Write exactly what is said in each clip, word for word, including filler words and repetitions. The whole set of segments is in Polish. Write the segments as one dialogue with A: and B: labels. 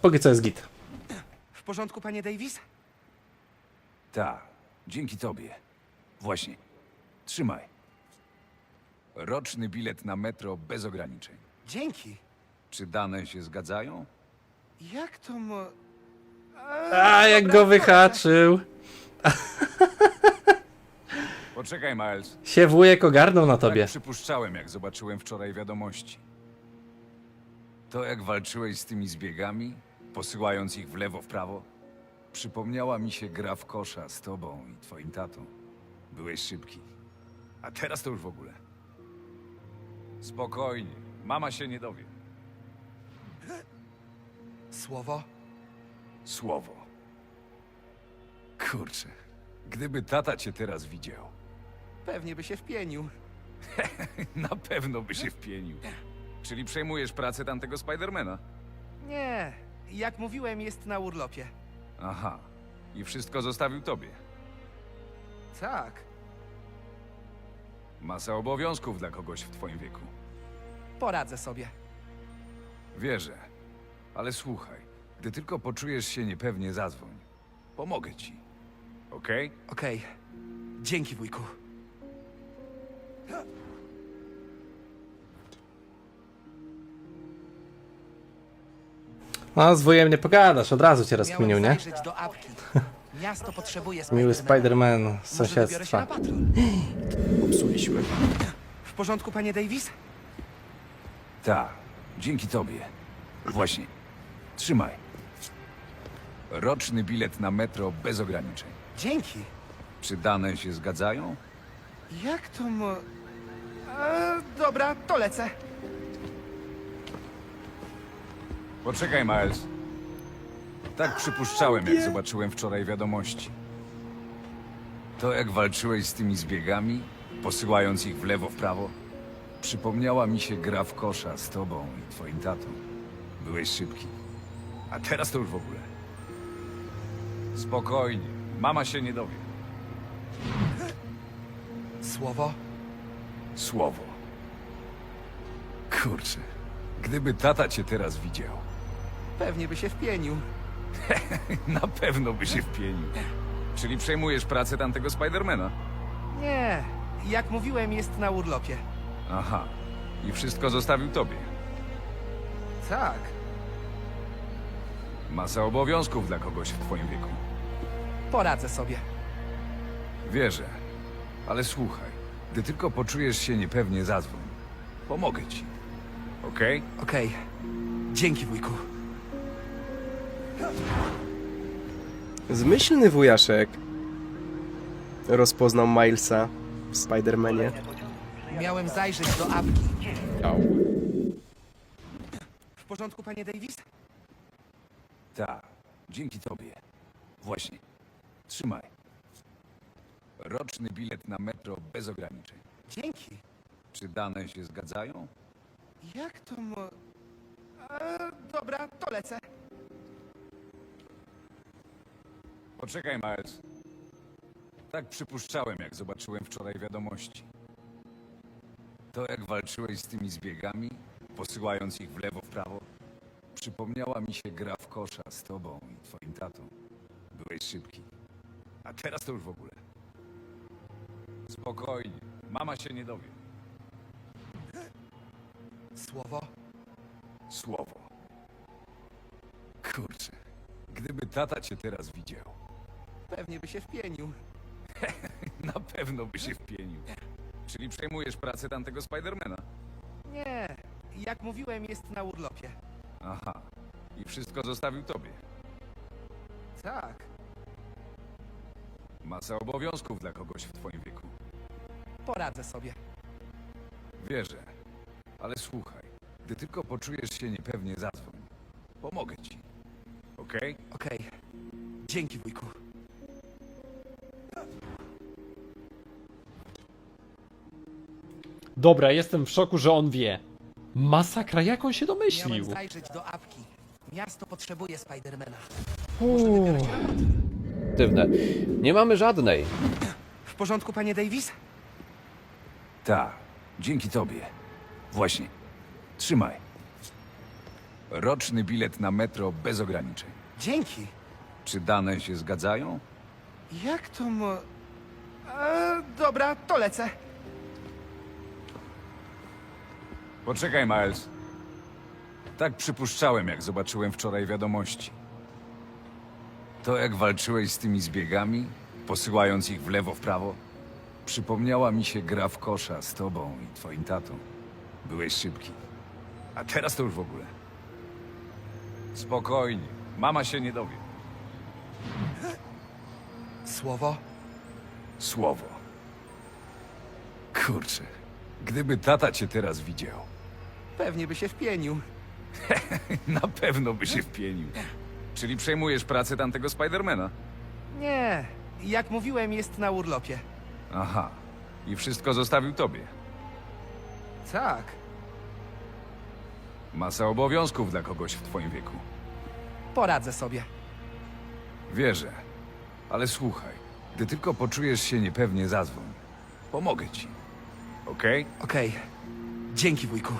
A: póki co jest git.
B: W porządku, panie Davis?
C: Tak, dzięki tobie. Właśnie. Trzymaj. Roczny bilet na metro bez ograniczeń.
B: Dzięki.
C: Czy dane się zgadzają?
B: Jak to mo...
A: A, jak go wyhaczył.
C: Poczekaj, Miles.
A: Się wujek ogarnął na tobie.
C: Tak przypuszczałem, jak zobaczyłem wczoraj wiadomości. To, jak walczyłeś z tymi zbiegami, posyłając ich w lewo, w prawo, przypomniała mi się gra w kosza z tobą i twoim tatą. Byłeś szybki. A teraz to już w ogóle. Spokojnie. Mama się nie dowie.
B: Słowo?
C: Słowo. Kurczę. Gdyby tata cię teraz widział,
B: Pewnie by się wpienił.
C: na pewno by się wpienił. Czyli przejmujesz pracę tamtego Spidermana?
B: Nie, jak mówiłem, jest na urlopie.
C: Aha. I wszystko zostawił tobie.
B: Tak.
C: Masa obowiązków dla kogoś w twoim wieku.
B: Poradzę sobie.
C: Wierzę. Ale słuchaj, gdy tylko poczujesz się niepewnie, zadzwoń. Pomogę ci. Okej?
B: Okej. Dzięki, wujku.
A: No, z wujem nie pogadasz, od razu cię rozkminił,
B: Miałem
A: nie?
B: zajrzeć do apki. Miasto potrzebuje
A: Miły
B: Spidermana.
A: Spider-Man z
B: Może wybiorę się
A: sąsiedztwa.
B: na patrol.
D: Popsuliśmy.
B: W porządku, panie Davis?
C: Tak. Dzięki tobie. Właśnie. Trzymaj. Roczny bilet na metro bez ograniczeń.
B: Dzięki.
C: Czy dane się zgadzają?
B: Jak to mo... E, dobra, to lecę.
C: Poczekaj, Miles. Tak przypuszczałem, jak zobaczyłem wczoraj wiadomości. To, jak walczyłeś z tymi zbiegami, posyłając ich w lewo, w prawo, przypomniała mi się gra w kosza z tobą i twoim tatą. Byłeś szybki. A teraz to już w ogóle. Spokojnie. Mama się nie dowie.
B: Słowo?
C: Słowo. Kurczę. Gdyby tata cię teraz widział,
B: Pewnie by się wpienił.
C: na pewno by się wpienił. Czyli przejmujesz pracę tamtego Spidermana?
B: Nie, jak mówiłem, jest na urlopie.
C: Aha. I wszystko zostawił tobie.
B: Tak.
C: Masa obowiązków dla kogoś w twoim wieku.
B: Poradzę sobie.
C: Wierzę. Ale słuchaj, gdy tylko poczujesz się niepewnie, zadzwoń. Pomogę ci. Okej?
B: Okej. Dzięki, wujku.
D: Zmyślny wujaszek. Rozpoznał Milesa w Spidermanie.
B: Miałem zajrzeć do apki.
D: Au.
B: W porządku, panie Davis?
C: Tak. Dzięki tobie. Właśnie. Trzymaj. Roczny bilet na metro bez ograniczeń.
B: Dzięki.
C: Czy dane się zgadzają?
B: Jak to mo... E, dobra, to lecę.
C: Poczekaj, Miles. Tak przypuszczałem, jak zobaczyłem wczoraj wiadomości. To, jak walczyłeś z tymi zbiegami, posyłając ich w lewo, w prawo, przypomniała mi się gra w kosza z tobą i twoim tatą. Byłeś szybki. A teraz to już w ogóle. Spokojnie. Mama się nie dowie.
B: Słowo?
C: Słowo. Kurczę. Gdyby tata cię teraz widział,
B: Pewnie by się wpienił.
C: na pewno by się wpienił. Czyli przejmujesz pracę tamtego Spidermana?
B: Nie, jak mówiłem, jest na urlopie.
C: Aha. I wszystko zostawił tobie.
B: Tak.
C: Masa obowiązków dla kogoś w twoim wieku.
B: Poradzę sobie.
C: Wierzę. Ale słuchaj, gdy tylko poczujesz się niepewnie, zadzwoń. Pomogę ci. Okej?
B: Okej. Dzięki, wujku.
E: Dobra, jestem w szoku, że on wie. Masakra, jak on się
B: Miałem
E: domyślił?
B: zajrzeć do apki. Miasto potrzebuje Spidermana.
E: Uuu.
F: Aktywne. Nie mamy żadnej.
B: W porządku, panie Davis?
C: Tak. Dzięki tobie. Właśnie. Trzymaj. Roczny bilet na metro bez ograniczeń.
B: Dzięki.
C: Czy dane się zgadzają?
B: Jak to mo... E, dobra, to lecę.
C: Poczekaj, Miles. Tak przypuszczałem, jak zobaczyłem wczoraj wiadomości. To, jak walczyłeś z tymi zbiegami, posyłając ich w lewo, w prawo, przypomniała mi się gra w kosza z tobą i twoim tatą. Byłeś szybki. A teraz to już w ogóle. Spokojnie. Mama się nie dowie.
B: Słowo?
C: Słowo. Kurczę. Gdyby tata cię teraz widział,
B: Pewnie by się wpienił.
C: na pewno by się wpienił. Czyli przejmujesz pracę tamtego Spidermana?
B: Nie, jak mówiłem, jest na urlopie.
C: Aha. I wszystko zostawił tobie.
B: Tak.
C: Masa obowiązków dla kogoś w twoim wieku.
B: Poradzę sobie.
C: Wierzę. Ale słuchaj, gdy tylko poczujesz się niepewnie, zadzwoń. Pomogę ci. Okej?
B: Okej. Dzięki, wujku.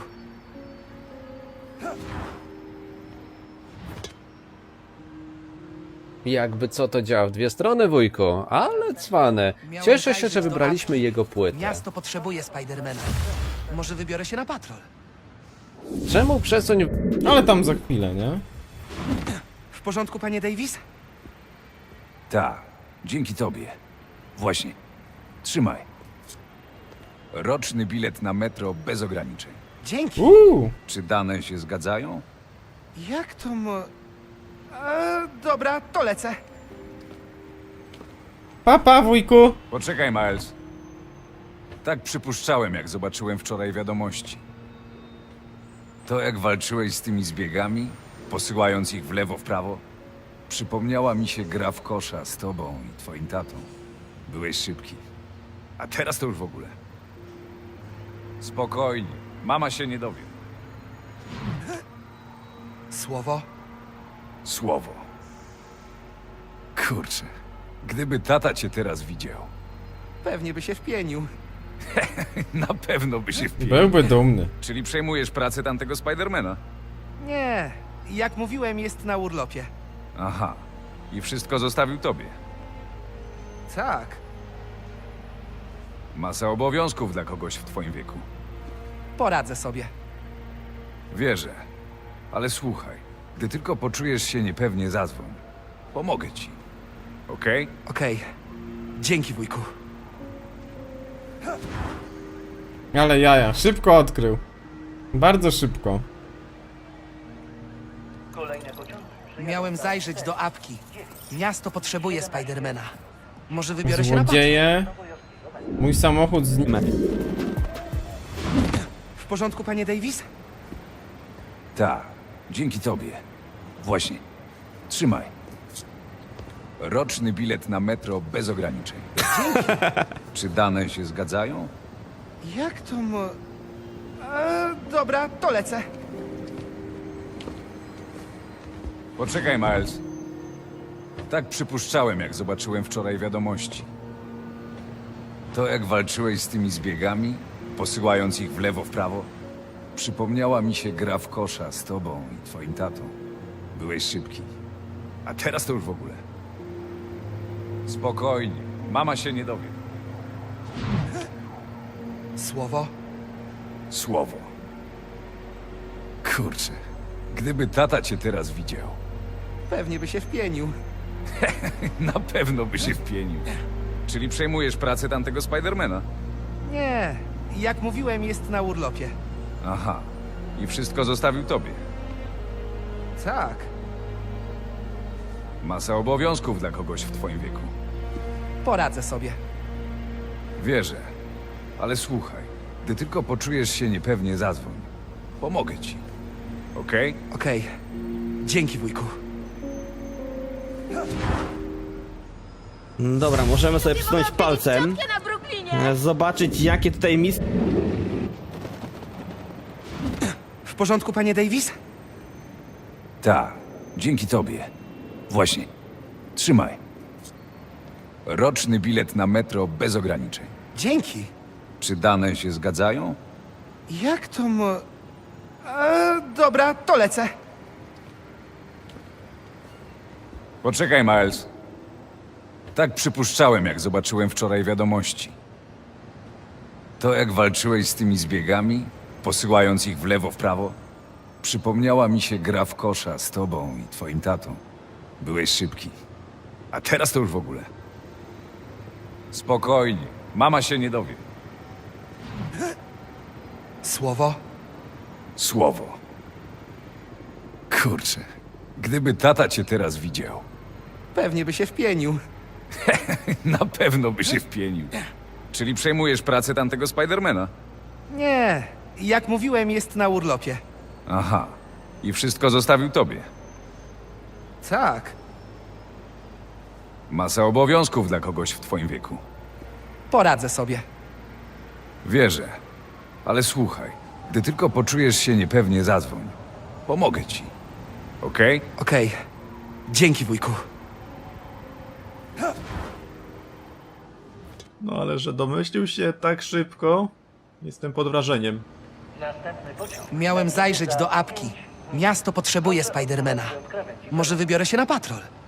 F: Jakby co to działa w dwie strony, wujku, ale cwane.
B: Miałem
F: Cieszę się,
B: zajrzeć
F: że
B: do
F: wybraliśmy
B: apki.
F: jego płytę.
B: Miasto potrzebuje Spidermana. Może wybiorę się na patrol.
F: Czemu przesuń...
E: Ale tam za chwilę, nie?
B: W porządku, panie Davis?
C: Tak. Dzięki tobie. Właśnie. Trzymaj. Roczny bilet na metro bez ograniczeń.
B: Dzięki.
E: Uuu!
C: Czy dane się zgadzają?
B: Jak to mo... E, dobra, to lecę.
E: Papa, wujku!
C: Poczekaj, Miles. Tak przypuszczałem, jak zobaczyłem wczoraj wiadomości. To, jak walczyłeś z tymi zbiegami, posyłając ich w lewo, w prawo, przypomniała mi się gra w kosza z tobą i twoim tatą. Byłeś szybki. A teraz to już w ogóle. Spokojnie. Mama się nie dowie.
B: Słowo?
C: Słowo. Kurczę. Gdyby tata cię teraz widział,
B: Pewnie by się wpienił.
C: na pewno by się wpił.
E: Byłby dumny.
C: Czyli przejmujesz pracę tamtego Spidermana?
B: Nie, jak mówiłem, jest na urlopie.
C: Aha. I wszystko zostawił tobie.
B: Tak.
C: Masa obowiązków dla kogoś w twoim wieku.
B: Poradzę sobie.
C: Wierzę. Ale słuchaj, gdy tylko poczujesz się niepewnie, zadzwoń. Pomogę ci. Okej?
B: Okej. Dzięki, wujku.
E: Ale jaja, szybko odkrył. Bardzo szybko.
B: Miałem zajrzeć do apki. Miasto potrzebuje Spidermana. Może wybiorę się na patrol.
E: Złodzieje. Mój samochód z nim.
B: W porządku, panie Davis?
C: Tak. Dzięki tobie. Właśnie. Trzymaj. Roczny bilet na metro bez ograniczeń. Czy dane się zgadzają?
B: Jak to mo... E, dobra, to lecę.
C: Poczekaj, Miles. Tak przypuszczałem, jak zobaczyłem wczoraj wiadomości. To, jak walczyłeś z tymi zbiegami, posyłając ich w lewo, w prawo, przypomniała mi się gra w kosza z tobą i twoim tatą. Byłeś szybki. A teraz to już w ogóle. Spokojnie. Mama się nie dowie.
B: Słowo?
C: Słowo. Kurczę. Gdyby tata cię teraz widział,
B: Pewnie by się wpienił.
C: na pewno by się wpienił. Czyli przejmujesz pracę tamtego Spidermana?
B: Nie, jak mówiłem, jest na urlopie.
C: Aha. I wszystko zostawił tobie.
B: Tak.
C: Masa obowiązków dla kogoś w twoim wieku.
B: Poradzę sobie.
C: Wierzę. Ale słuchaj, gdy tylko poczujesz się niepewnie, zadzwoń. Pomogę ci. Okej?
B: Okej. Dzięki, wujku.
G: Dobra, możemy sobie przysunąć palcem,
H: na Brooklynie!
G: e, zobaczyć jakie tutaj misje.
B: W porządku, panie Davis?
C: Tak. Dzięki tobie. Właśnie. Trzymaj. Roczny bilet na metro bez ograniczeń.
B: Dzięki.
C: Czy dane się zgadzają?
B: Jak to mo... E, dobra, to lecę.
C: Poczekaj, Miles. Tak przypuszczałem, jak zobaczyłem wczoraj wiadomości. To, jak walczyłeś z tymi zbiegami, posyłając ich w lewo, w prawo, przypomniała mi się gra w kosza z tobą i twoim tatą. Byłeś szybki. A teraz to już w ogóle. Spokojnie. Mama się nie dowie.
B: Słowo?
C: Słowo. Kurczę. Gdyby tata cię teraz widział,
B: Pewnie by się wpienił.
C: na pewno by się wpienił. Czyli przejmujesz pracę tamtego Spidermana?
B: Nie, jak mówiłem, jest na urlopie.
C: Aha. I wszystko zostawił tobie.
B: Tak,
C: Masa obowiązków dla kogoś w twoim wieku.
B: poradzę sobie.
C: Wierzę. Ale słuchaj, gdy tylko poczujesz się niepewnie, zadzwoń. Pomogę ci. Okej?
B: Okej, dzięki wujku.
H: No ale że domyślił się tak szybko, jestem pod wrażeniem.
B: Miałem zajrzeć do apki. Miasto potrzebuje Spidermana. Może wybiorę się na patrol.